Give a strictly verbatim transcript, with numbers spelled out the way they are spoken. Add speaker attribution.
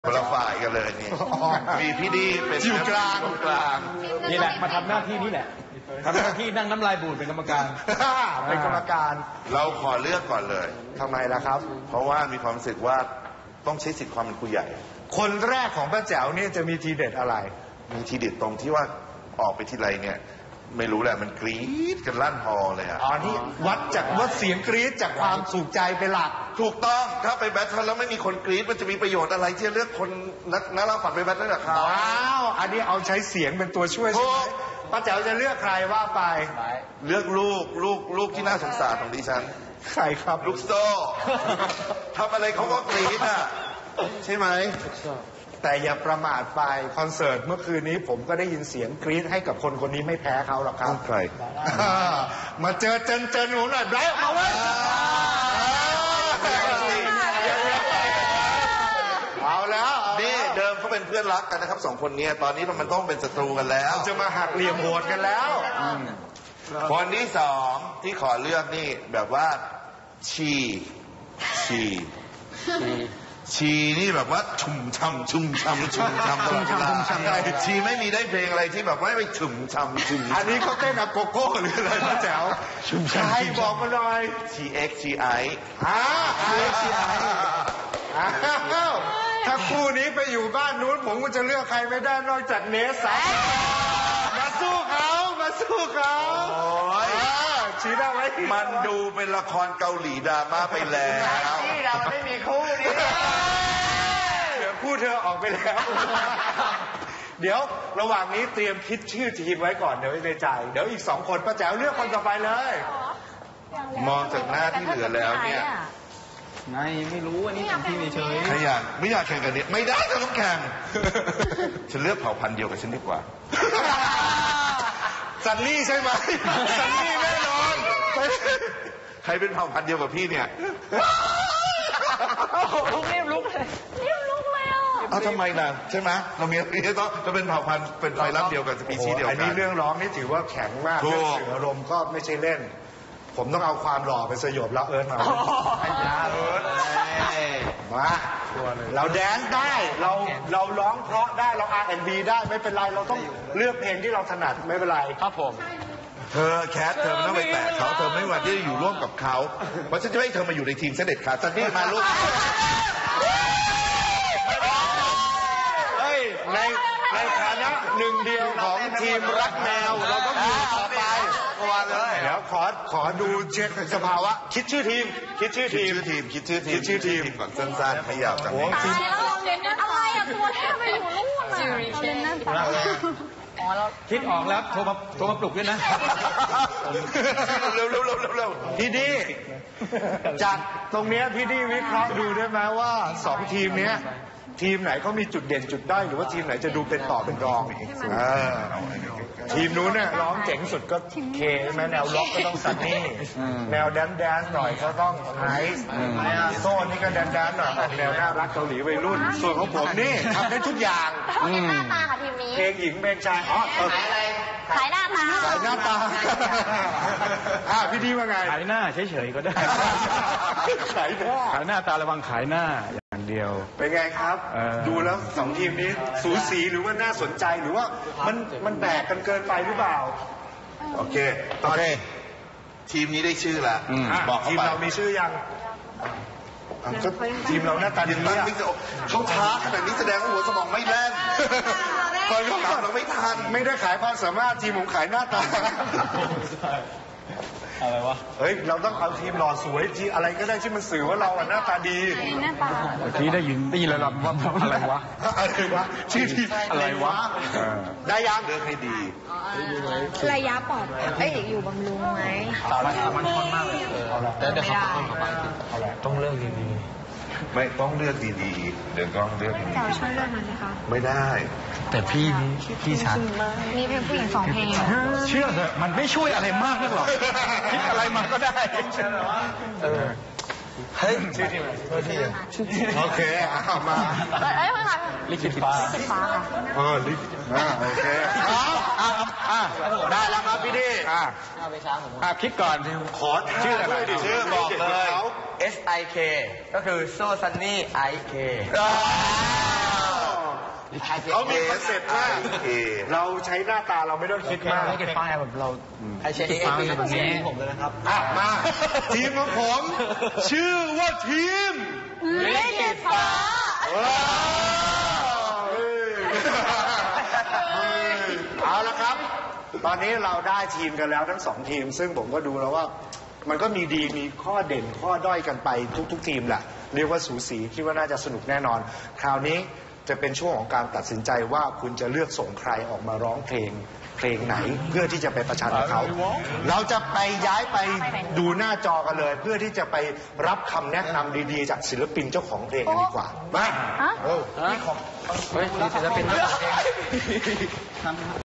Speaker 1: คนละฝ่ายกันเลยนี่มีพี่ดีเป็น
Speaker 2: อยู่กลาง
Speaker 1: กลาง
Speaker 3: นี่แหละมาทำหน้าที่นี้แหละทำหน้าที่นั่งน้ำลายบูดเป็นกรรมการ
Speaker 2: เป็นกรรมการ
Speaker 1: เราขอเลือกก่อนเลย
Speaker 2: ทำไมล่ะครับ
Speaker 1: เพราะว่ามีความรู้สึกว่าต้องใช้สิทธิ์ความเป็นผู้ใหญ่
Speaker 2: คนแรกของป้าแจ๋วนี่จะมีทีเด็ดอะไร
Speaker 1: มีทีเด็ดตรงที่ว่าออกไปทีไรเนี่ยไม่รู้แหละมันกรี๊ดกันลั่นฮอเลยอ่ะ
Speaker 2: อ๋อนี่วัดจากวัดเสียงกรี๊ดจากความสุขใจเป็นหลัก
Speaker 1: ถูกต้องถ้าไปแบทเทิลแล้วไม่มีคนกรี๊ดมันจะมีประโยชน์อะไรที่จะเลือกคนนักนักเล่าฝันไปแบทเทิลกับเขา
Speaker 2: ว้าวอันนี้เอาใช้เสียงเป็นตัวช่วยใช่ไหมป้าแจ๋วจะเลือกใครว่าไป
Speaker 1: เลือกลูกลูกลูกที่น่าสงสารของดิฉัน
Speaker 2: ใครครับ
Speaker 1: ลูกโซ่ทำอะไรเขาก็กรี๊ดอ่ะใช่ไหม
Speaker 2: แต่อย่าประมาทไปคอนเสิร์ตเมื่อคืนนี้ผมก็ได้ยินเสียงกรี๊ดให้กับคนคนนี้ไม่แพ้เขาหรอกครับ
Speaker 1: ใคร
Speaker 2: มาเจอเจนเจนหนูหน่อยไบรท์มาไว้เอาแล้ว
Speaker 1: นี่เดิมเขาเป็นเพื่อนรักกันนะครับสองคนนี้ตอนนี้มันต้องเป็นศัตรูกันแล้ว
Speaker 2: จะมาหักเหลี่ยมโหดกันแล้ว
Speaker 1: คนที่สองที่ขอเลือกนี่แบบว่าชีชีชีนี่แบบว่าชุ่มช่ำชุ่มช่ำชุ่มช่ำตลอดเวลาชีไม่มีได้เพลงอะไรที่แบบว่าไม่ชุ่มช่ำชุ่ม
Speaker 2: อันนี้เขาเต้นอะโกโก้หรืออะไรนะแจ๋วใครบอกมาหน่อย
Speaker 1: ชีเอ็กชีไอ
Speaker 2: อ่าชีเอ็กชีไออ้าวถ้าคู่นี้ไปอยู่บ้านนู้นผมก็จะเลือกใครไม่ได้นอกจากเนสซัมาสู้เขามาสู้เขาชี้ได้ไหม
Speaker 1: มันดูเป็นละครเกาหลีดราม่าไปแล้ว
Speaker 2: นี่เราไม่มีคู่นี้เดี๋ยวคู่เธอออกไปแล้ว เดี๋ยวระหว่างนี้เตรียมคิดชื่อทีมไว้ก่อนเดี๋ยวในใจเดี๋ยวอีกสองคนป้าแจ๋วเลือกคนต่อไปเลย
Speaker 1: มองจากหน้าที่เหลือแล้วเนี่ย
Speaker 3: ไม่ไม่รู้อันนี้ทำที่เฉย
Speaker 1: ใครอยากไม่อยากแข่งกันเนี่ยไม่ได้จะต้องแข่ง ฉันเลือกเผ่าพันธุ์เดียวกับฉันดีกว่า
Speaker 2: ซันนี่ใช่ไหมซันนี่แน่นอน
Speaker 1: ใครเป็นเผ่าพันธุ์เดียวกับพี่เนี่ย
Speaker 4: รีบลุกเลยรีบลุกเลยอ่ะ
Speaker 1: อ้าวทำไมล่ะใช่ไหมเรามีเราต้องจะเป็นเผ่าพันธุ์เป็นไฟลับเดียวกันสปีชีส์เดียว
Speaker 2: อั
Speaker 1: กัน
Speaker 2: นี้เรื่องร้องนี่ถือว่าแข็งมาก
Speaker 1: ถู
Speaker 2: เรื่อง
Speaker 1: ก
Speaker 2: สื่ออารมณ์ก็ไม่ใช่เล่น ผมต้องเอาความหล่อไปสยบแล้วเอิร์ธมามาเราแดนซ์ได้เราเราร้องเพราะได้เรา อาร์ แอนด์ บี ได้ไม่เป็นไรเราต้องเลือกเพลงที่เราถนัดไม่เป็นไรครับผม
Speaker 1: เธอแคทเธอไม่ต้องไปแตะเขาเธอไม่วันที่จะอยู่ร่วมกับเขาเพราะฉันจะไม่ให้เธอมาอยู่ในทีมเสด็จขาดซันนี่มาลูก
Speaker 2: เฮ้ยในในฐานะหนึ่งเดียวของทีมรักแมวเราต้องอยู่ต่อไปเดี๋ยวขอขอดูเช็คสภาวะคิดชื่อทีม คิดชื่อ
Speaker 1: คิด
Speaker 2: ทีม
Speaker 1: ชื่อทีมคิดชื่อทีม
Speaker 2: คิดชื่อทีม
Speaker 1: ก่อนสั้นๆไม่ยาวจัง
Speaker 2: โอ้ทีม
Speaker 4: อะไรอ่ะตัวแทบไปอยู่นู่นอ่ะเราเล่นนั่นต่ออ๋อเรา
Speaker 3: คิดออกแล้วโทรมาโทรมาปลุกด้วยนะ
Speaker 1: เร็วเร็วเร็วเร็วเร็ว
Speaker 2: พี่ดีจากตรงเนี้ยพี่ดีวิเคราะห์ดูได้ไหมว่าสองทีมเนี้ยทีมไหนเขามีจุดเด่นจุดด้อยหรือว่าทีมไหนจะดูเป็นต่อเป็นรองเออทีมนู้นเนี่ยร้องเจ๋งสุดก็เคใช่ไหมแนวล็อกก็ต้องซันนี่แนวแดนแดนหน่อยก็ต้องไอซ์โซ่นี่ก็แดนแดนหน่อยออกแนวน่ารักเกาหลีวัยรุ่นส่วนของผมนี่ทำได้ทุกอย่าง
Speaker 4: เขาเล่นหน้าตาค่ะทีมนี้
Speaker 2: เพลงหญิงเพลงชายอ๋อเออ
Speaker 4: ขายหน้าตา
Speaker 2: ขายหน้าตาอ่าพี่ดีว่าไง
Speaker 3: ขายหน้าเฉยๆก็ได้
Speaker 2: ขายหน้า
Speaker 3: ขายหน้าตาระวังขายหน้าอย่างเดียว
Speaker 2: เป็นไงครับ
Speaker 3: เออ
Speaker 2: ดูแล้วสองทีมนี้สูสีหรือว่าน่าสนใจหรือว่ามันมันแบกกันเกินไปหรือเปล่า
Speaker 1: โอเคตอนนี้ทีมนี้ได้ชื่อแล้ว
Speaker 2: อ่ะ
Speaker 1: บอกเขา
Speaker 2: ทีม
Speaker 1: ไป
Speaker 2: เรามีชื่อยังอ่ะก็ทีมเราหน้าตาดี
Speaker 1: ยินดี
Speaker 2: อ่ะ
Speaker 1: ไม่จะเขาท้าขนาดนี้แสดงว่าหัวสมองไม่แล่นตอนเขาถามเราไม่ทัน
Speaker 2: ไม่ได้ขายความสามารถทีมผมขายหน้าตา
Speaker 3: อะไรวะ
Speaker 2: เฮ้ยเราต้องเอาทีมหล่อสวยทีอะไรก็ได้ที่มันสื่อว่าเราอ่ะหน้าตาดี
Speaker 4: หน้าตา
Speaker 3: เมื่อกี้ได้ยินได้ยินแล้วว่าอะไรวะ
Speaker 2: อะไรวะชื่อทีม
Speaker 3: อะไรวะ
Speaker 2: เออได้ยัง
Speaker 1: เลือกให้ดี
Speaker 4: ระยะปอดเอ้ยอยู่บำรุงไหม
Speaker 3: สามันสามันคนมากเลยแต่เดี๋ยวเขาต้องเข้าไปต้องเลิกดี
Speaker 1: ไม่ต้องเลือกดีๆเดี๋ยวต้องเลือกดี
Speaker 4: เจ้าช่วยเลือกหน่อยสิคะ
Speaker 1: ๆไม่ได้
Speaker 3: ๆแต่พี่นี่พี่ชัด
Speaker 4: มีเพลงผู้หญิงสองเพลง
Speaker 3: เชื่อเถอะมันไม่ช่วยอะไรมากนักหรอกคิดอะไรมาก็ได้เออ
Speaker 2: เฮ้ยชื่อทีมอะไรชื่อทีมโอเคเอามา
Speaker 4: เอ้ยไม่ค่ะ
Speaker 3: ลิขิตฟ้า
Speaker 4: สิบฟ้าค่ะ
Speaker 2: เออลิอ่าโอเคอ่าอ่าอ่าได้แล้วครับพี่ดีอ่า
Speaker 3: อ่ะคิดก่อน
Speaker 2: ขอชื่ออะไรดิ
Speaker 1: ชื่อบอกเลย
Speaker 5: เอส ไอ เค ก็คือโซซันนี่ไอ เค
Speaker 2: เขามีคอนเซ็ปต์ว่าเราใช้หน้าตาเราไม่ต้องคิดมาก
Speaker 3: ไม่เก็บป้ายแบบเราไอเช็คเอฟแบบนี้ผมเลยนะครับ
Speaker 2: อ่ะมาทีมของผม ชื่อว่าทีม
Speaker 4: เล่นเด็ดฟ้า
Speaker 2: เอาละครับ ตอนนี้เราได้ทีมกันแล้วทั้งสองทีม ซึ่งผมก็ดูแล้วว่า มันก็มีดีมีข้อเด่นข้อด้อยกันไปทุกๆทีมแหละเรียกว่าสูสีคิดว่าน่าจะสนุกแน่นอน คราวนี้จะเป็นช่วงของการตัดสินใจว่าคุณจะเลือกส่งใครออกมาร้องเพลงเพลงไหน เพื่อที่จะไปประชันกับเขา เราจะไปย้ายไปดูหน้าจอกันเลย เพื่อที่จะไปรับคำแนะนำดีๆ จากศิลปินเจ้าของเพลงกันดีกว่ามา
Speaker 4: ฮะ
Speaker 2: เออนี่ของ
Speaker 3: เฮ้ยศิลปินเจ้าของเพลง